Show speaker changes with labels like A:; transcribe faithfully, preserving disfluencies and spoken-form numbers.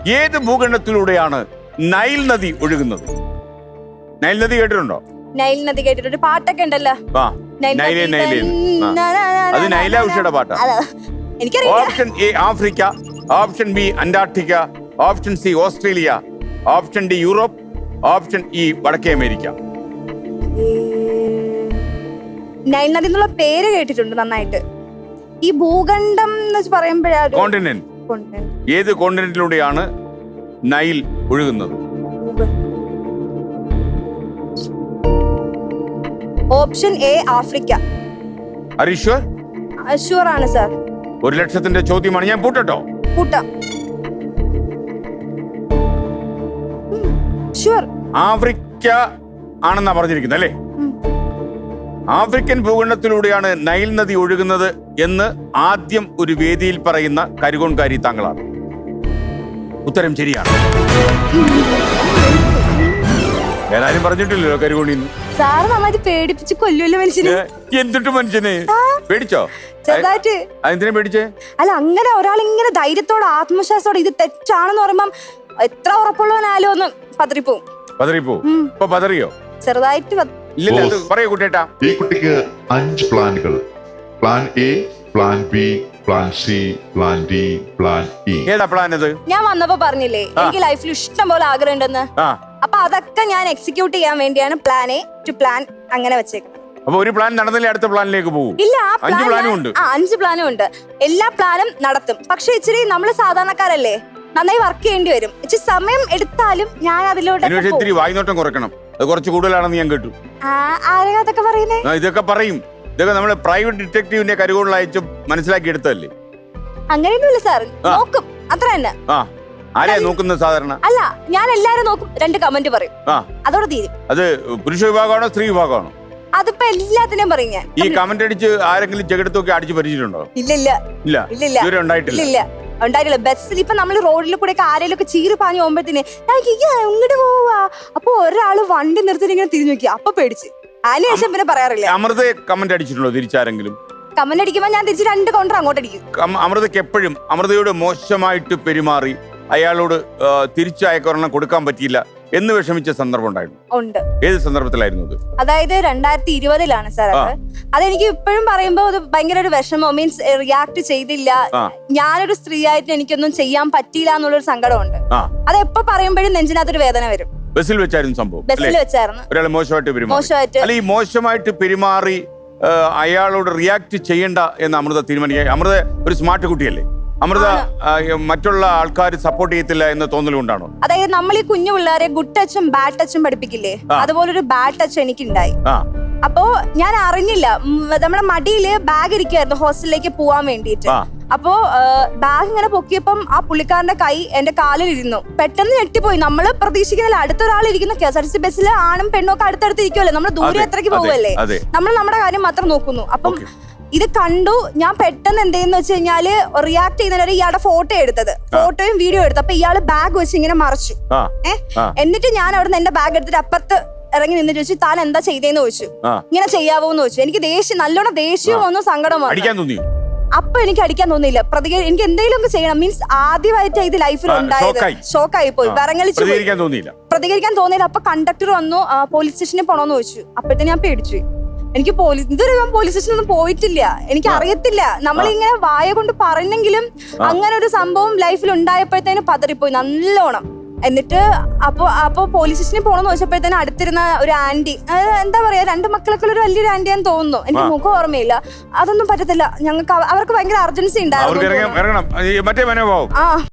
A: ഏത് ഭൂഖണ്ഡത്തിലൂടെയാണ് നൈൽ നദി ഒഴുകുന്നത്? നൈൽ നദി കേട്ടിട്ടുണ്ടോ?
B: നൈൽ നദി കേട്ടിട്ടുണ്ട്, പാട്ടൊക്കെ ഉണ്ടല്ലോ.
A: ആ, നൈലേ നൈലേ. അത് നൈല ഉഷയുടെ പാട്ടാ.
B: എനിക്കറിയാം.
A: Option A Africa, option B Antarctica, option C Australia, option D Europe, option E വടക്കേ അമേരിക്ക.
B: നൈൽ നദി എന്നുള്ള പേര് കേട്ടിട്ടുണ്ട് നന്നായിട്ട്. ഈ ഭൂഖണ്ഡം എന്ന് പറയുമ്പോഴാണ്
A: കോണ്ടിനെന്റ്. ഏത് കോണ്ടിനെന്റിലൂടെയാണ് നൈൽ ഒഴുകുന്നത്?
B: Option A Africa.
A: Are you sure?
B: Sure ആണ് സാർ.
A: ഒരു ലക്ഷത്തിന്റെ ചോദ്യമാണ്, ഞാൻ പൂട്ടട്ടോ?
B: കൂട്ടാം. ഷുവർ.
A: ആഫ്രിക്ക ആണെന്നാ പറഞ്ഞിരിക്കുന്നത് അല്ലേ? ആഫ്രിക്കൻ ഭൂഖണ്ഡത്തിലൂടെയാണ് നൈൽ നദി ഒഴുകുന്നത് എന്ന് ആദ്യം ഒരു വേദിയിൽ പറയുന്ന കരുകോൺകാരി താങ്കളാണ്. ഉത്തരം ശരിയാണ്. ഏതായാലും പറഞ്ഞിട്ടില്ലല്ലോ കരുകോണിന്ന്.
B: സാറ് നന്നായിട്ട് പേടിപ്പിച്ച് കൊല്ലുമല്ലോ മനുഷ്യനെ.
A: എന്തിട്ട് മനുഷ്യനെ പേടിച്ചോ?
B: ചെറുതായിട്ട്.
A: അതെന്തിനാ പേടിച്ചേ?
B: അല്ല, അങ്ങനെ ഒരാൾ ഇങ്ങനെ ധൈര്യത്തോടെ ആത്മവിശ്വാസത്തോടെ ഇത് തെറ്റാണെന്ന് പറയുമ്പം എത്ര ഉറപ്പുള്ളവനായാലും ഒന്ന് പതറിപ്പോവും.
A: പതറിപ്പോവും. ഇപ്പൊ പതറിയോ?
B: ചെറുതായിട്ട്.
A: ഇല്ല, പറയൂ കുട്ടേട്ടാ.
C: ഈ കുട്ടിക്ക് അഞ്ച് പ്ലാനുകൾ. Plan A, plan B, plan C, plan D, plan E.
A: ഏതാ പ്ലാൻ അത്?
B: ഞാൻ വന്നപ്പോ പറഞ്ഞില്ലേ എനിക്ക് ലൈഫിൽ ഇഷ്ടം പോലെ ആഗ്രഹം ഉണ്ടെന്ന്. അപ്പൊ അതൊക്കെ ഞാൻ എക്സിക്യൂട്ട് ചെയ്യാൻ വേണ്ടിയാണ് പ്ലാൻ എ ടു പ്ലാൻ അങ്ങനെ വെച്ചേക്കുന്നത്.
A: അപ്പൊ ഒരു പ്ലാൻ നടന്നില്ലേ അടുത്ത പ്ലാനിലേക്ക് പോകും?
B: ഇല്ല,
A: അഞ്ച് പ്ലാനും ഉണ്ട്.
B: അഞ്ച് പ്ലാനും ഉണ്ട്. എല്ലാ പ്ലാനും നടത്തും. പക്ഷെ ഇച്ചിരി നമ്മള് സാധാരണക്കാരല്ലേ, നന്നായി വർക്ക് ചെയ്യേണ്ടി വരും. ഇച്ചിരി സമയം എടുത്താലും ഞാൻ അതിലൂടെ
A: ഇത്തിരി വായ്നോട്ടം കുറയ്ക്കണം. അത് കുറച്ച് കൂടുതലാണെന്ന് ഞാൻ കേട്ടു.
B: ആരെയും അതൊക്കെ പറയുന്നേ?
A: ഇതൊക്കെ പറയും. ഇതൊക്കെ നമ്മള് പ്രൈവറ്റ് ഡിറ്റക്റ്റീവിന്റെ കരുകോളിൽ അയച്ച് മനസ്സിലാക്കി എടുത്തല്ലേ?
B: അങ്ങനെയൊന്നുമില്ല സാർ, നോക്കും അത്ര തന്നെ.
A: ആ, ആരെയാ നോക്കുന്നത് സാധാരണ?
B: അല്ല, ഞാൻ എല്ലാരും നോക്കും, രണ്ട് കമന്റ് പറയും, അതോടെ തീരും.
A: അത് പുരുഷ വിഭാഗമാണോ സ്ത്രീ വിഭാഗമാണോ?
B: അതിപ്പോ എല്ലാത്തിനും പറയും ഞാൻ.
A: ഈ കമന്റ് അടിച്ച് ആരെങ്കിലും ചെകിടത്തൊക്കെ അടിച്ച് പരിചയമുണ്ടോ?
B: ഇല്ല ഇല്ല
A: ഇല്ല
B: ഇല്ല
A: ഇതുവരെ ഉണ്ടായിട്ടില്ല.
B: ഇല്ല ഉണ്ടായിട്ടില്ല. ബസ്സിൽ ഇപ്പൊ നമ്മള് റോഡിൽ കൂടെ ഒക്കെ ആരെങ്കിലും ഒക്കെ ചീറി പാഞ്ഞു പോകുമ്പോഴത്തേന് ഇങ്ങോട്ട് പോവാ, അപ്പൊ ഒരാള് വണ്ടി നിർത്തിട്ട് ഇങ്ങനെ തിരിഞ്ഞു നോക്കി, അപ്പൊ പേടിച്ച്. അതിനുശേഷം പിന്നെ പറയാറില്ല.
A: അമൃത കമന്റ് അടിച്ചിട്ടുണ്ടോ തിരിച്ചാരെങ്കിലും?
B: കമന്റ് അടിക്കുമ്പോ ഞാൻ തിരിച്ച് രണ്ട് കൗണ്ടർ അങ്ങോട്ട് അടിക്കും.
A: അമൃതയ്ക്ക് എപ്പോഴും അമൃതയോട് മോശമായിട്ട് പെരുമാറി അയാളോട് തിരിച്ചു അയക്കൊരെണ്ണം കൊടുക്കാൻ പറ്റിയില്ല എന്ന് വിഷമിച്ച സന്ദർഭം ഉണ്ടായിരുന്നു?
B: ഉണ്ട്.
A: ഏത് സന്ദർഭത്തിലായിരുന്നു അത്?
B: അതായത് രണ്ടായിരത്തി ഇരുപതിലാണ് സാർ അത്. അതെനിക്ക് ഇപ്പോഴും പറയുമ്പോ അത് ഭയങ്കര ഒരു വിഷമം. മീൻസ് റിയാക്ട് ചെയ്തില്ല, ഞാനൊരു സ്ത്രീ ആയിട്ട് എനിക്കൊന്നും ചെയ്യാൻ പറ്റിയില്ല എന്നുള്ളൊരു സങ്കടമുണ്ട്. അത് എപ്പോ പറയുമ്പോഴും നെഞ്ചിനകത്തൊരു വേദന വരും.
A: ബസ്സിൽ വെച്ചായിരുന്നു സംഭവം?
B: ബസ്സിൽ വെച്ചായിരുന്നു.
A: ഒരാൾ മോശമായിട്ട് പെരുമാറി.
B: മോശമായിട്ട്
A: അല്ല, ഈ മോശമായിട്ട് പെരുമാറി അയാളോട് റിയാക്ട് ചെയ്യണ്ട എന്ന് അമൃത തീരുമാനിക്കുക. അമൃത ഒരു സ്മാർട്ട് കുട്ടിയല്ലേ? അമൃത മറ്റുള്ള ആൾക്കാർ സപ്പോർട്ട് ചെയ്യത്തില്ല എന്ന് തോന്നലുകൊണ്ടാണോ?
B: അതായത് നമ്മൾ ഈ കുഞ്ഞു പിള്ളേരെ ഗുഡ് ടച്ചും ബാഡ് ടച്ചും പഠിപ്പിക്കില്ലേ, അതുപോലൊരു ബാഡ് ടച്ച് എനിക്കുണ്ടായി. അപ്പോ ഞാൻ അറിഞ്ഞില്ല, നമ്മുടെ മടിയില് ബാഗ് ഇരിക്കുവായിരുന്നു ഹോസ്റ്റലിലേക്ക് പോവാൻ വേണ്ടിയിട്ട്. അപ്പോ ബാഗ് ഇങ്ങനെ പൊക്കിയപ്പം ആ പുള്ളിക്കാരന്റെ കൈ എന്റെ കാലിൽ ഇരുന്നു. പെട്ടെന്ന് ഞെട്ടിപ്പോയി. നമ്മള് പ്രതീക്ഷിക്കുന്നില്ല, അടുത്തൊരാൾ ഇരിക്കുന്നു. K S R T C ബസ്സിൽ ആണും പെണ്ണും ഒക്കെ അടുത്തടുത്ത് ഇരിക്കുമല്ലേ, നമ്മൾ ദൂരെ എത്രയ്ക്ക് പോവല്ലേ, നമ്മൾ നമ്മുടെ കാര്യം മാത്രം നോക്കുന്നു. അപ്പം ഇത് കണ്ടു ഞാൻ. പെട്ടെന്ന് എന്തെന്ന് വെച്ച് കഴിഞ്ഞാല് റിയാക്ട് ചെയ്യുന്നവരെ ഇയാളുടെ ഫോട്ടോ എടുത്തത്, ഫോട്ടോയും വീഡിയോ എടുത്തു. അപ്പൊ ഇയാള് ബാഗ് വെച്ച് ഇങ്ങനെ മറച്ചു. ഏഹ് എന്നിട്ട് ഞാൻ അവിടെ നിന്ന് എന്റെ ബാഗ് എടുത്തിട്ട് അപ്പുറത്ത് ഇറങ്ങി നിന്ന് ചോദിച്ചു, താൻ എന്താ ചെയ്തേന്ന് ചോദിച്ചു. ഇങ്ങനെ ചെയ്യാവോന്ന് ചോദിച്ചു. എനിക്ക് ദേഷ്യം, നല്ലോണം ദേഷ്യവും ഒന്നും സങ്കടം വന്നു. അപ്പൊ എനിക്ക് അടിക്കാൻ തോന്നിയില്ല. പ്രതികരണം എനിക്ക് എന്തെങ്കിലും ഒക്കെ ചെയ്യണം. മീൻസ് ആദ്യമായിട്ട് ഇത് ലൈഫിൽ ഉണ്ടായത്. ഷോക്കായി പോയി, വിറങ്ങലിച്ചു. പ്രതികരിക്കാൻ തോന്നിയില്ല. അപ്പൊ കണ്ടക്ടർ വന്നു, പോലീസ് സ്റ്റേഷനിൽ പോണോന്ന് ചോദിച്ചു. അപ്പോഴത്തെ ഞാൻ പേടിച്ചു. എനിക്ക് പോലീസ് ഇതുവരെ ഞാൻ പോലീസ് സ്റ്റേഷനൊന്നും പോയിട്ടില്ല, എനിക്ക് അറിയത്തില്ല. നമ്മളിങ്ങനെ വായ കൊണ്ട് പറഞ്ഞെങ്കിലും അങ്ങനെ ഒരു സംഭവം ലൈഫിൽ ഉണ്ടായപ്പോഴത്തേന് പതറിപ്പോയി നല്ലോണം. എന്നിട്ട് അപ്പൊ അപ്പൊ പോലീസ് സ്റ്റേഷനിൽ പോണെന്ന് ചോദിച്ചപ്പോഴത്തേന് അടുത്തിരുന്ന ഒരു ആന്റി, എന്താ പറയാ, രണ്ട് മക്കളൊക്കെ ഒരു വലിയൊരു ആന്റിയാന്ന് തോന്നുന്നു, എനിക്ക് മുഖം ഓർമ്മയില്ല. അതൊന്നും പറ്റത്തില്ല ഞങ്ങൾക്ക്, അവർക്ക് ഭയങ്കര അർജൻസി ഉണ്ടായിരുന്നു.